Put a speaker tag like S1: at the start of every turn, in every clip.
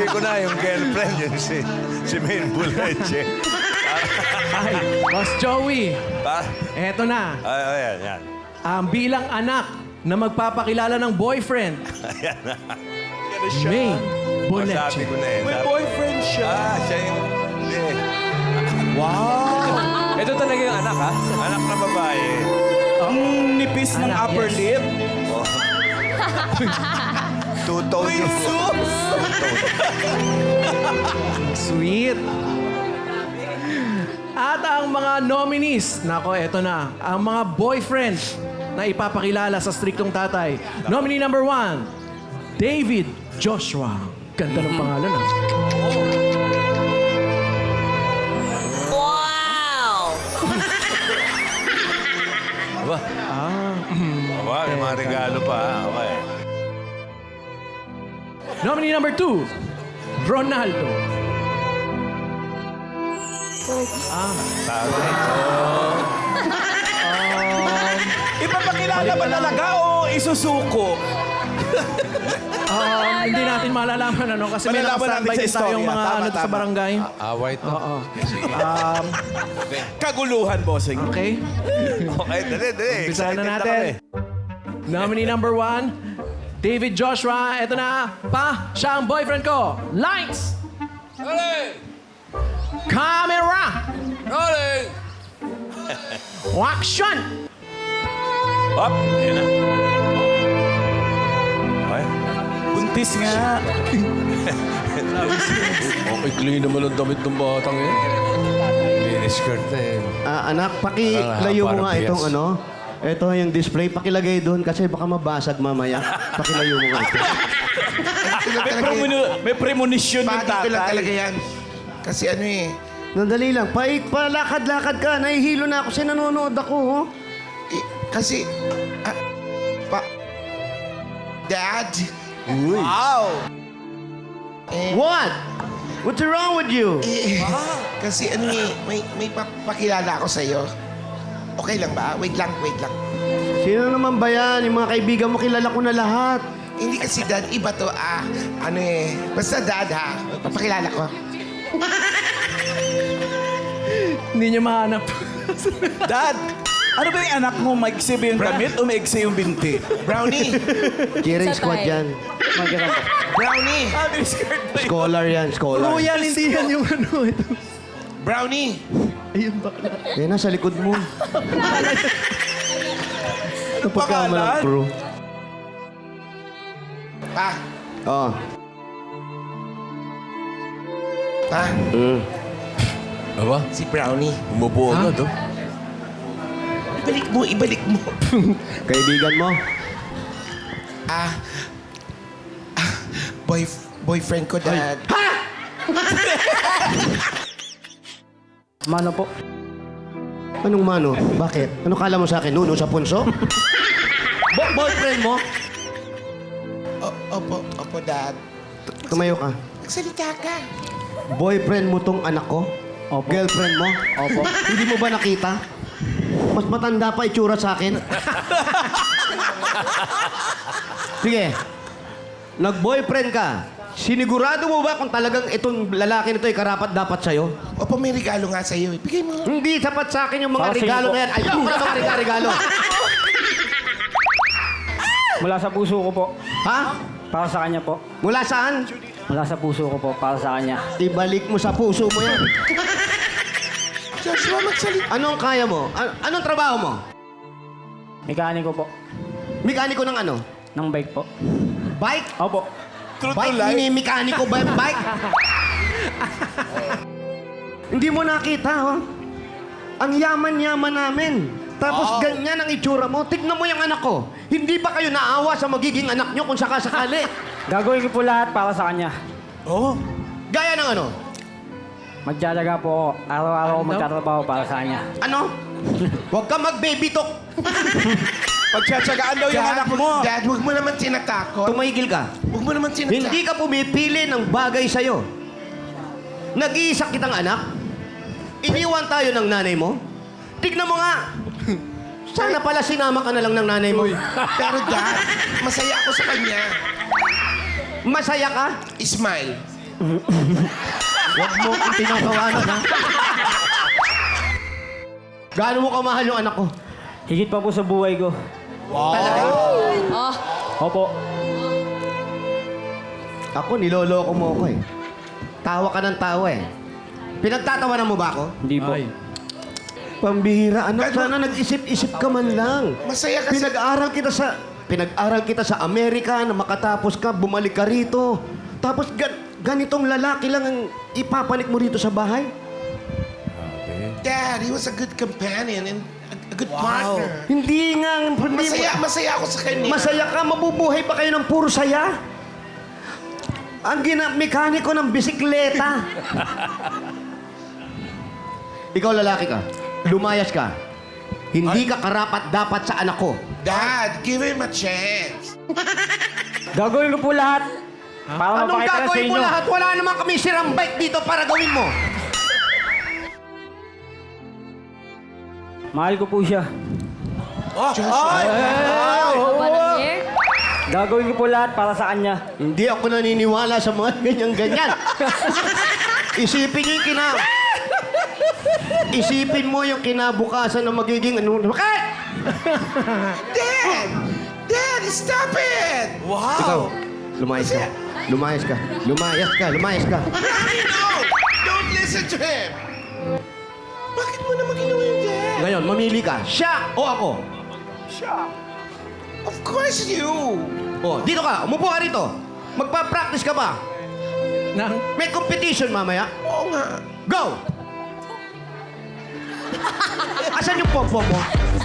S1: ko na yung girlfriend, yun si Maine Buleche.
S2: Ay, Boss Joey,
S1: Pa?
S2: eto na.
S1: Ay, yan.
S2: Ang bilang anak na magpapakilala ng boyfriend. May
S1: Sabi
S2: Boleche.
S1: ko na eh.
S3: May boyfriend siya.
S1: Siya yung...
S3: Wow! Ito talaga yung anak, ha?
S1: Anak na babae.
S3: Ang nipis ng
S2: Anak,
S3: upper
S2: yes.
S3: lip.
S1: Two-tone yung...
S3: Jesus!
S2: Sweet. At ang mga nominees, nako, eto na. Ang mga boyfriend na ipapakilala sa striktong tatay. Nominee number 1, David Joshua. Ganda ng pangalan, ah.
S1: Aba? Aba, may mga regalo pa. Okay.
S2: Nominee number 2, Ronaldo.
S1: Sabi.
S3: Ipapakilala ba talaga o isusuko?
S2: Hindi natin malalaman ano kasi may
S3: Malalaman
S2: naka-standby
S3: natin sa
S2: din tayong
S3: istorya.
S2: mga
S3: Tama,
S2: ano sa
S3: tama.
S2: barangay.
S1: Away to.
S2: Oo.
S3: Kaguluhan, bossing.
S2: Okay.
S1: Okay, dali.
S2: Umpisahan
S1: Excited
S2: na
S1: kami.
S2: natin. Nominee number 1, David Joshua. Ito na. Pa, siya ang boyfriend ko. Lights! Camera! Action!
S1: Hop! Ayan na. Okay.
S3: Buntis nga.
S4: Okay, clean naman ang damit ng batang eh. Miniskirt na eh.
S5: Anak, pakilayo mo
S4: Parang
S5: nga
S4: bias.
S5: itong ano. Ito yung display. Pakilagay doon kasi baka mabasag mamaya. Pakilayo mo nga ito.
S3: May premonition yung
S6: Pati ko lang talaga
S3: tatay.
S6: yan. Kasi ano eh,
S5: Nandali lang. Palakad-lakad ka. Nahihilo na ako. Nanonood ako. Oh.
S6: kasi, Dad,
S3: Wow!
S5: What? What's wrong with you?
S6: kasi ano eh, may papakilala ako sa'yo. Okay lang ba? Wait lang.
S5: Sino naman ba yan? Yung mga kaibigan mo, kilala ko na lahat.
S6: Hindi kasi Dad, iba to ano eh, basta Dad ha, papakilala ko.
S2: Hindi niya mahanap.
S3: Dad, ano ba yung anak mo? Maiksi ba yung damit o maiksi yung binti?
S6: Brownie!
S5: Cheering squad yan.
S6: Brownie!
S3: May skirt ba yun?
S5: Scholar yan, scholar.
S2: Oo yan, hindi yan yung ano. Ito.
S6: Brownie!
S2: Ayun ba?
S5: Yan na, sa likod mo. Ito pagkamalang crew.
S6: Pa!
S5: Oh.
S6: Pa!
S4: Aba,
S6: Si Brownie.
S4: umupo agad oh.
S6: Ibalik mo.
S5: Kaibigan mo?
S6: Boyfriend ko, Dad.
S5: Mano po. Anong mano? Bakit? Ano kala mo sa akin? Nuno sa punso? Boyfriend mo?
S6: Opo, Dad.
S5: Tumayo ka.
S6: Magsalita ka.
S5: Boyfriend mo tong anak ko?
S2: Opo.
S5: Girlfriend mo? Opo. Hindi mo ba nakita? Mas matanda pa itsura sa akin. Sige. Nag-boyfriend ka. Sinigurado mo ba kung talagang itong lalaki nito ay karapat dapat sa'yo?
S6: Opo, may regalo nga sa'yo. Bigay mo.
S5: Hindi sapat sa akin yung mga regalo na yan. Ayoko na mga regalo.
S7: Mula sa puso ko po.
S5: Ha?
S7: Para sa kanya po.
S5: Mula saan?
S7: Mula sa puso ko po. Para sa kanya.
S5: Ibalik mo sa puso mo yan.
S6: Joshua, magsalita.
S5: Anong kaya mo? Anong trabaho mo?
S7: Mekaniko po.
S5: Mekaniko ng ano?
S7: Ng bike po.
S5: Bike?
S7: Opo.
S3: True to
S5: Bike?
S3: life.
S5: Mekaniko ba yung bike? Hindi mo nakita, oh. Ang yaman-yaman namin. Tapos ganyan ang itsura mo. Tignan mo yung anak ko. Hindi ba kayo naawa sa magiging anak nyo kung sakasakali?
S7: Gagawin ko po lahat para sa kanya.
S3: Oh,
S5: Gaya ng ano?
S7: Magtsatsaga po ako. Araw-araw ako magtatrabaho para sa kanya.
S5: Ano? Huwag ka mag-baby talk.
S3: pagtsatsagaan daw yung anak mo.
S6: Dad, huwag mo naman tinatakot.
S5: Tumigil ka.
S6: Huwag mo naman tinatakot.
S5: Hindi ka pumipili ng bagay sa'yo. Nag-iisa kitang anak. Iniwan tayo ng nanay mo. Tignan mo nga. Sana pala sinama ka na lang ng nanay mo.
S6: Pero Dad, masaya ako sa kanya.
S5: Masaya ka?
S6: Smile.
S5: Huwag mo kong tinatawanan, ha? Gaano mo kamahal yung anak ko?
S7: Higit pa po sa buhay ko.
S5: Talaga?
S7: Opo.
S5: Ako, niloloko mo ako eh. Tawa ka ng tawa eh. Pinagtatawanan mo ba ako?
S7: Hindi po.
S2: Ay.
S5: Pambihira, anak, sana nag-isip-isip ka man lang.
S6: Masaya kasi...
S5: Pinag-aral kita sa Amerika na makatapos ka, bumalik ka rito. Tapos ganitong lalaki lang ang ipapanik mo rito sa bahay?
S6: Dad, he was a good companion and a good partner.
S5: Hindi nga.
S6: Masaya ako sa kanya.
S5: Masaya ka, mabubuhay pa kayo ng puro saya? Ang mekaniko ng bisikleta. Ikaw lalaki ka. Lumayas ka. Hindi ka karapat-dapat sa anak ko.
S6: Dad, give him a chance.
S7: Gagawin ko po lahat. Para
S5: Anong
S7: mapakita sa
S5: gagawin mo
S7: inyo.
S5: lahat? Wala naman kami sirang bike dito para gawin mo.
S7: Mahal ko po siya. Gagawin ko po lahat para sa kanya.
S5: Hindi ako naniniwala sa mga ganyan-ganyan. Isipin mo yung kinabukasan na magiging ano. Bakit?
S6: Dad! Dad, stop it!
S5: Ikaw, lumayas ka. Lumayas ka. Lumayas ka. Lumayas ka.
S6: No! Don't listen to him! Bakit mo naman ginawa yung dad?
S5: Ngayon, mamili ka. Siya o ako?
S6: Of course you!
S5: O, dito ka. Umupo ka rito. Magpa-practice ka ba?
S2: Nang,
S5: May competition mamaya.
S6: Oo nga.
S5: Go! Asan yung pom-pom mo?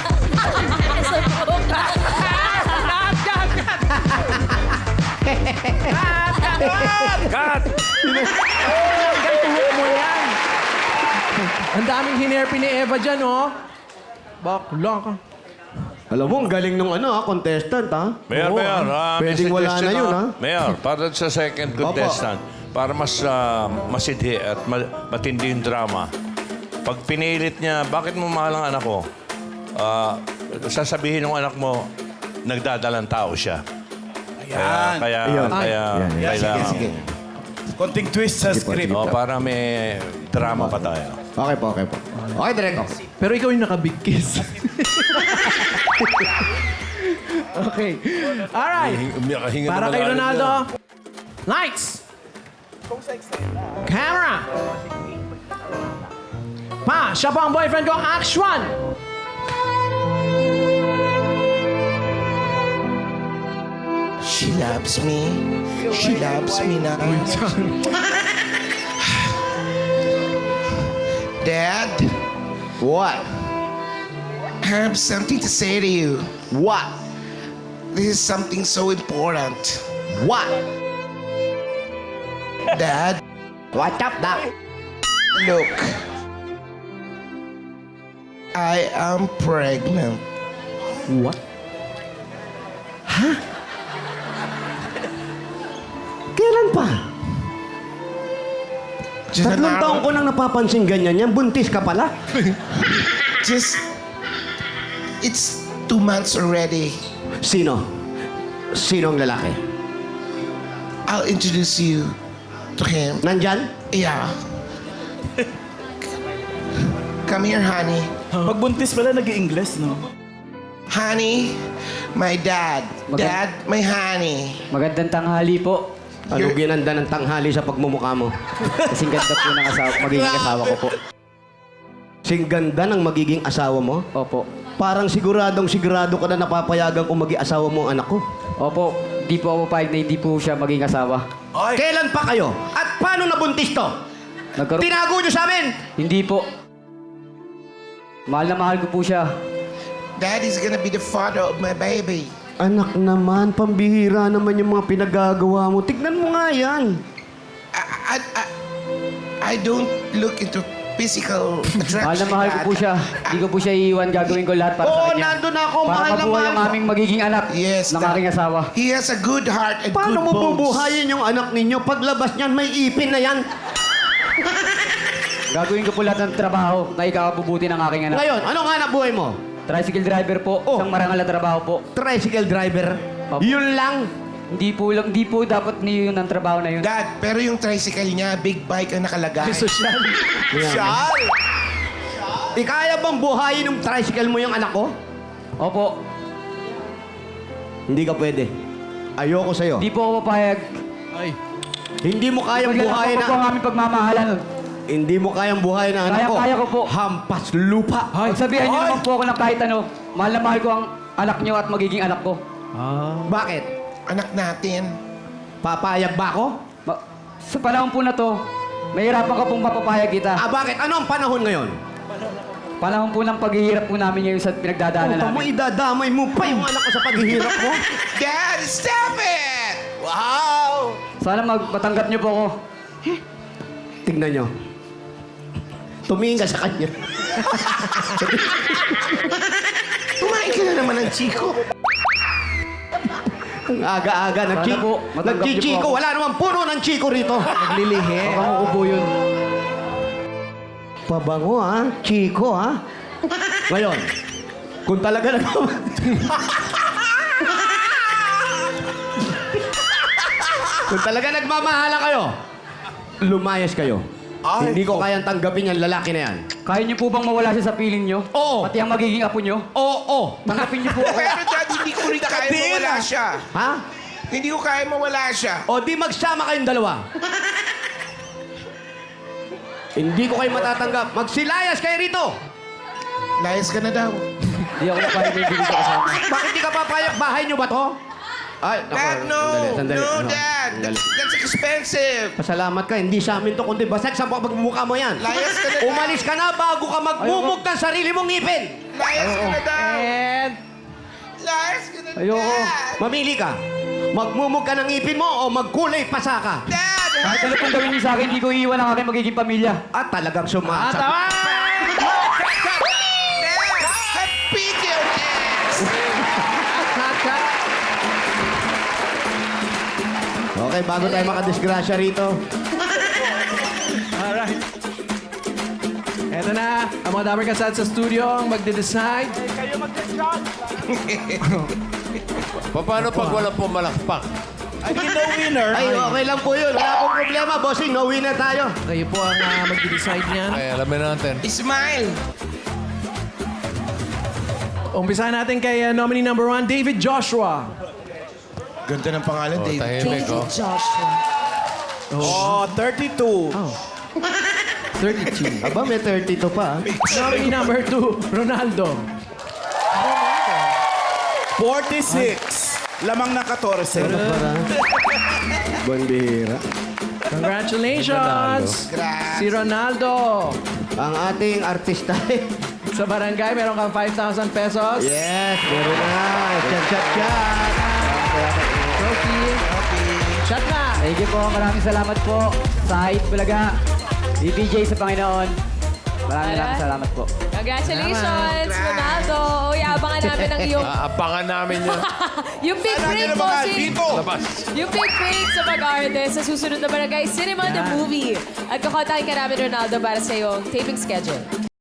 S2: ang daming hinerpi ni Eva dyan, oh. Bakla ka.
S5: Alam mo, ang galing nung contestant, ha?
S4: Mayor,
S5: Oo,
S4: Mayor.
S5: Pwedeng
S4: may
S5: wala na
S4: suggestion,
S5: yun, ha?
S4: Mayor, para sa second contestant, para mas masidhi at matindi yung drama, pag pinilit niya, bakit mo mahal ang anak ko? Sasabihin ng anak mo, nagdadalang tao siya.
S3: Ayan.
S5: Ayun.
S4: Kaya kailangan.
S3: Sige. Konting twist sa script.
S4: Para may drama pa tayo.
S5: Okay po. Okay, Direk.
S2: Pero ikaw yung nakabigkis. Okay. Alright.
S4: Hinga
S2: Para kay Ronaldo. Lights. Camera. Pa, siya po ang boyfriend ko. Action!
S6: She loves me. She loves me now. Dad,
S5: What?
S6: I have something to say to you.
S5: What?
S6: This is something so important.
S5: What?
S6: Dad,
S5: What's up, Doc?
S6: look. I am pregnant.
S2: What?
S5: Kailan pa?
S6: Just an
S5: 3
S6: hour-
S5: taon ko nang napapansin ganyan yan. Buntis ka pala?
S6: Just, it's 2 months already.
S5: Sino? Sino ang lalaki?
S6: I'll introduce you to him.
S5: Nandyan?
S6: Yeah. Come here, honey.
S3: Pag buntis pala, nag-i-Ingles, no?
S6: Honey, my dad. Dad, my honey.
S7: Magandang tanghali po.
S5: Ano ginanda ng tanghali sa pagmumukha mo?
S7: Kasing ganda po ng magiging asawa ko po.
S5: Sing ganda ng magiging asawa mo?
S7: Opo.
S5: Parang sigurado ka na napapayagan kung maging asawa mo ang anak ko.
S7: Opo. Di po ako pahig na hindi po siya maging asawa.
S5: Kailan pa kayo? At paano nabuntis to?
S7: Nagkaroon...
S5: Tinago nyo sa amin?
S7: Hindi po. Mahal na mahal ko po siya.
S6: Daddy's gonna be the father of my baby.
S5: Anak naman, pambihira naman yung mga pinagagawa mo. Tignan mo nga yan.
S6: I don't look into physical attraction.
S7: Mahal na mahal ko po siya. Hindi ko po siya iiwan. Gagawin ko lahat para sa
S5: Oo,
S7: kanya.
S5: nandun ako.
S7: Para
S5: Mahal na
S7: mabuhay
S5: mahal
S7: ang
S5: ko.
S7: aming magiging anak
S6: Yes,
S7: ng
S6: Dad.
S7: aking asawa.
S6: He has a good heart and
S5: Paano
S6: good
S5: mo
S6: bones.
S5: bubuhayin yung anak ninyo? Paglabas niyan, may ipin na yan.
S7: Gagawin ko po lahat ng trabaho na ikabubuti ng aking anak.
S5: Ngayon, anong hanap buhay mo?
S7: Tricycle driver po.
S5: Oh.
S7: Isang marangal na trabaho po.
S5: Tricycle driver.
S7: Opo.
S5: Yun lang.
S7: Hindi po dapat niyo yun ang trabaho na yun.
S6: Dad, pero yung tricycle niya, big bike ang nakalagay.
S2: Sosyal.
S5: Siyal! Ikaya bang buhayin ng tricycle mo yung anak ko?
S7: Opo,
S5: Hindi ka pwede. Ayoko sa'yo.
S7: hindi po ako papayag.
S2: Ay.
S5: Hindi mo kayang buhayin
S7: Paglalako po ang
S5: na...
S7: aming pagmamahalan.
S5: Hindi mo kayang buhayin na anak ko.
S7: Kaya ko po.
S5: Hampas lupa.
S7: Pagsabihan niyo naman po ako ng kahit ano, mahal na mahal ko ang anak niyo at magiging anak ko.
S5: Bakit?
S6: Anak natin.
S5: Papayag ba ako?
S7: Sa panahon po na to, mahirapan ka pong mapapayag kita.
S5: Bakit? Ano ang panahon ngayon?
S7: Panahon po ng paghihirap po namin ngayon sa pinagdadaanan
S5: Puta mo,
S7: namin.
S5: idadamay mo pa yung anak ko sa paghihirap mo.
S6: Dad, stop it! Wow!
S7: Sana matanggap niyo po ako.
S5: Tingnan nyo. Tumingin ka sa kanya.
S6: Kumain ka na naman ng chiko.
S5: Ang aga-aga.
S7: Sana po, matanggap niyo po
S5: Nagchichiko.
S7: ako.
S5: Wala namang puno ng chiko rito.
S2: Naglilihi.
S7: Baka makubo yun.
S5: Pabango ha? Chiko ha? Ngayon, kung talaga kung talaga nagmamahala kayo, lumayas kayo. Hindi ko kayang tanggapin yung lalaki na yan.
S7: Kaya niyo po bang mawala siya sa piling niyo?
S5: Oo.
S7: Pati ang magiging apo niyo?
S5: Oo.
S7: Tanggapin niyo po ako.
S6: Pero Dad, hindi ko rin kaya mawala siya.
S5: Ha?
S6: Hindi ko kaya mawala siya.
S5: O di magsama kayong dalawa. Hindi ko kayo matatanggap. Magsilayas kayo rito.
S6: Layas ka na daw.
S7: Hindi ako papayag na ibigay sa kasama.
S5: Bakit di ka papayag? Bahay nyo ba to? Ay,
S6: Dad, no!
S5: Sandali.
S6: No,
S5: Ano?
S6: Dad!
S5: Sandali.
S6: That's expensive!
S5: Pasalamat ka, hindi sa amin to, kundi basag sa pagmumukha mo yan.
S6: Layas ka na, Dad!
S5: Umalis ka na bago ka magmumug ng sarili mong ngipin.
S6: Layas ka na daw!
S2: And...
S6: Layas ka na,
S7: Ayoko.
S6: Dad!
S5: Mamili ka. Magmumug ka ng ngipin mo o magkulay pasa ka.
S6: Dad!
S7: Kahit ano pong gawin niyo sa akin, hindi ko iiwan ang aking magiging pamilya.
S5: At talagang sumasag.
S6: Dad! Happy your ass!
S5: Okay, bago tayo makadisgrasya rito.
S2: Alright. Eto na, ang mga damer kasat sa studio ang magde-decide.
S4: Paano pag walang pumalakpak?
S3: I mean, no winner.
S5: Ay, okay lang po yun. Wala pong problema, bossing. No winner tayo.
S2: Kayo po ang magde-decide niyan.
S4: Ay, alamin natin.
S6: Smile!
S2: Umpisahan natin kay nominee number 1, David Joshua.
S6: Ganda ng pangalan, Dave.
S4: Tahimik, oh.
S3: Oh, 32.
S2: 32.
S5: Aba, may 32 pa.
S2: Nominee number 2, Ronaldo.
S3: 46. Lamang na 14.
S5: Buwan bihira.
S2: Congratulations! Si Ronaldo.
S5: Ang ating artista.
S2: Sa barangay, meron kang 5,000 pesos.
S5: Yes, meron na. Chat.
S2: Trophy. Shot na!
S7: Thank you po. Maraming salamat po sa Hype Bulaga. DPJ sa Panginoon. Maraming salamat po.
S8: Congratulations, Ronaldo. Uy, abangan namin ang iyong...
S4: Aabangan namin yun.
S8: yung big break mo,
S4: Labas.
S8: yung big break sa Mag-Arte sa susunod na Barangay Cinema the Movie. At kakontakin ka namin, Ronaldo, para sa iyong taping schedule.